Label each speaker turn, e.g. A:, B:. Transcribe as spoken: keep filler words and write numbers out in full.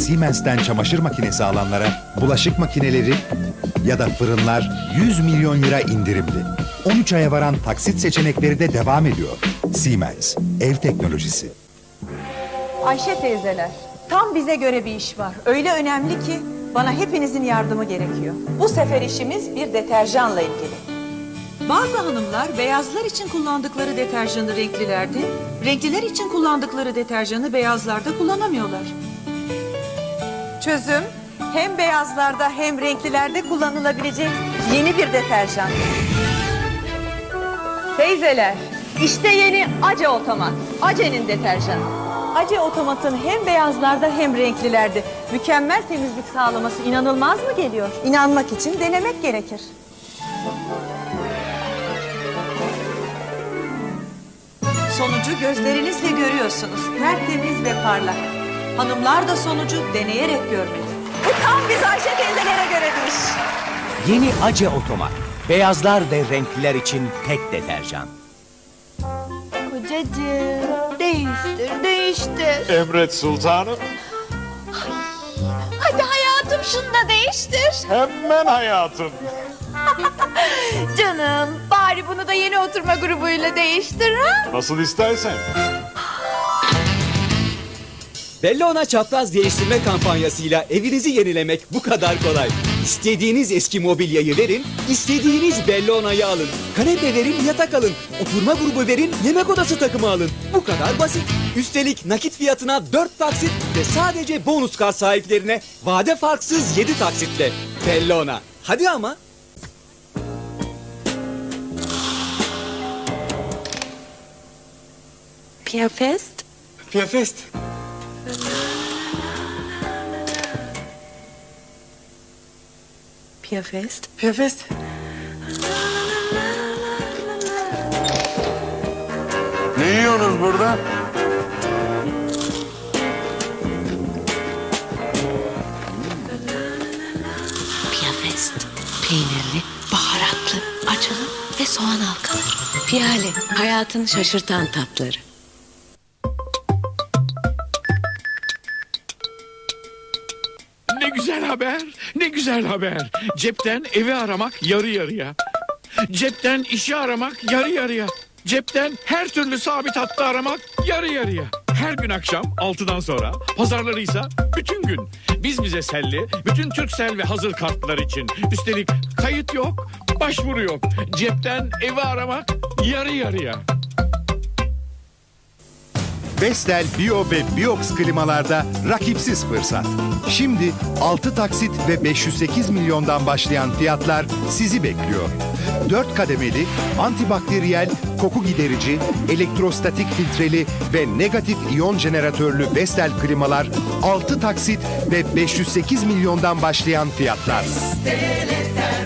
A: Siemens'ten çamaşır makinesi alanlara bulaşık makineleri ya da fırınlar yüz milyon lira indirimli. on üç aya varan taksit seçenekleri de devam ediyor. Siemens, ev teknolojisi.
B: Ayşe teyzeler, tam bize göre bir iş var. Öyle önemli ki bana hepinizin yardımı gerekiyor. Bu sefer işimiz bir deterjanla ilgili. Bazı hanımlar beyazlar için kullandıkları deterjanı renklilerde, renkliler için kullandıkları deterjanı beyazlarda kullanamıyorlar. Çözüm, hem beyazlarda hem renklilerde kullanılabilecek yeni bir deterjan. Teyzeler, işte yeni Ace Otomat. Ace'nin deterjanı. Ace Otomat'ın hem beyazlarda hem renklilerde mükemmel temizlik sağlaması inanılmaz mı geliyor? İnanmak için denemek gerekir. Sonucu gözlerinizle görüyorsunuz. Tertemiz ve parlak. Hanımlar da sonucu deneyerek görmeli. Bu tam biz Ayşe teyzelere göre bir iş.
C: Yeni Ace Otomat. Beyazlar ve renkliler için tek deterjan.
D: Kocacığım değiştir değiştir.
E: Emret sultanım.
D: Hadi hayatım şunu da değiştir.
E: Hemen hayatım.
D: Canım bari bunu da yeni oturma grubuyla değiştir ha.
E: Nasıl istersen.
F: Bellona çapraz değiştirme kampanyasıyla evinizi yenilemek bu kadar kolay. İstediğiniz eski mobilyayı verin, istediğiniz Bellona'yı alın. Kanepe verin, yatak alın. Oturma grubu verin, yemek odası takımı alın. Bu kadar basit. Üstelik nakit fiyatına dört taksit ve sadece bonus kart sahiplerine vade farksız yedi taksitle. Bellona. Hadi ama.
D: Piyafest.
E: Piyafest.
D: Piyafest.
E: Piyafest. Ne yiyorsunuz burada?
G: Piyafest. Peynirli, baharatlı, acılı ve soğan halkaları. Piyale, hayatın şaşırtan tatları.
H: Ne güzel haber, ne güzel haber. Cepten evi aramak yarı yarıya. Cepten işi aramak yarı yarıya. Cepten her türlü sabit hattı aramak yarı yarıya. Her gün akşam altıdan sonra, pazarları ise bütün gün. Biz bize selli, bütün Turkcell ve hazır kartlar için. Üstelik kayıt yok, başvuru yok. Cepten evi aramak yarı yarıya.
A: Vestel Bio ve Biox klimalarda rakipsiz fırsat. Şimdi altı taksit ve beş yüz sekiz milyondan başlayan fiyatlar sizi bekliyor. dört kademeli, antibakteriyel, koku giderici, elektrostatik filtreli ve negatif iyon jeneratörlü Vestel klimalar altı taksit ve beş yüz sekiz milyondan başlayan fiyatlar.